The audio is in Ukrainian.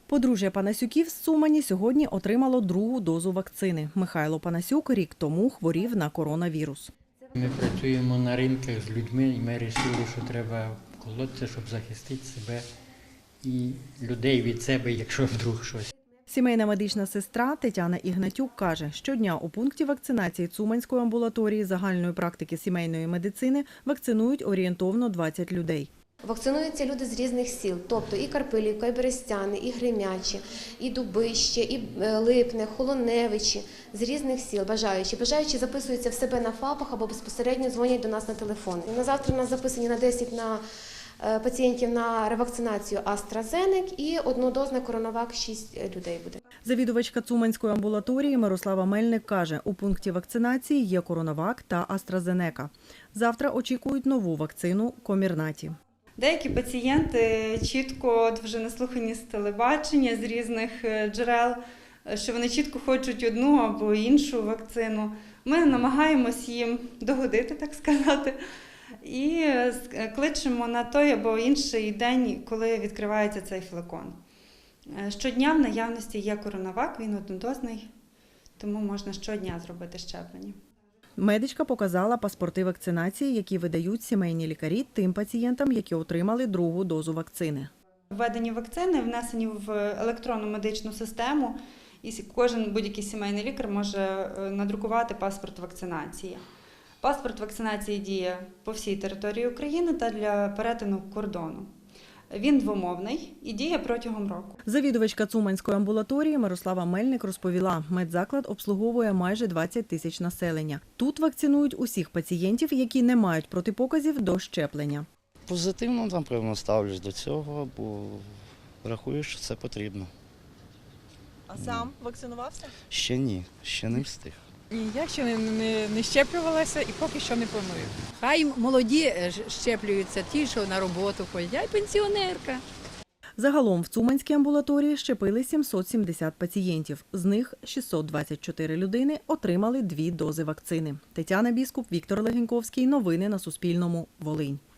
Подружжя Панасюків з Цумані сьогодні отримало другу дозу вакцини. Михайло Панасюк рік тому хворів на коронавірус. Ми працюємо на ринках з людьми і ми вирішили, що треба колотися, щоб захистити себе і людей від себе, якщо вдруг щось. Сімейна медична сестра Тетяна Ігнатюк каже, щодня у пункті вакцинації Цуманської амбулаторії загальної практики сімейної медицини вакцинують орієнтовно 20 людей. Вакцинуються люди з різних сіл, тобто і Карпилівка, і Берестяни, і Гремячі, і Дубище, і Липне, Холоневичі, з різних сіл бажаючі. Бажаючі записуються в себе на ФАПах або безпосередньо дзвонять до нас на телефон. На завтра у нас записані на 10 пацієнтів на ревакцинацію AstraZeneca і однодозна коронавак 6 людей буде. Завідувачка Цуманської амбулаторії Мирослава Мельник каже, у пункті вакцинації є коронавак та AstraZeneca. Завтра очікують нову вакцину Комірнаті. Деякі пацієнти чітко вже наслухані з телебачення, з різних джерел, що вони чітко хочуть одну або іншу вакцину. Ми намагаємось їм догодити, так сказати, і кличемо на той або інший день, коли відкривається цей флакон. Щодня в наявності є коронавак, він однодозний, тому можна щодня зробити щеплення. Медичка показала паспорти вакцинації, які видають сімейні лікарі тим пацієнтам, які отримали другу дозу вакцини. Введені вакцини внесені в електронну медичну систему, і кожен будь-який сімейний лікар може надрукувати паспорт вакцинації. Паспорт вакцинації діє по всій території України та для перетину кордону. Він двомовний і діє протягом року. Завідувачка Цуманської амбулаторії Мирослава Мельник розповіла, медзаклад обслуговує майже 20 тисяч населення. Тут вакцинують усіх пацієнтів, які не мають протипоказів до щеплення. Позитивно, напевно, ставлюсь до цього, бо рахую, що це потрібно. А сам вакцинувався? Ще ні, ще не встиг. Ні, я ще не щеплювалася і поки що не планую. Хай молоді щеплюються, ті, що на роботу ходять, я й пенсіонерка. Загалом в Цуманській амбулаторії щепили 770 пацієнтів. З них 624 людини отримали 2 дози вакцини. Тетяна Біскуп, Віктор Легеньковський. Новини на Суспільному. Волинь.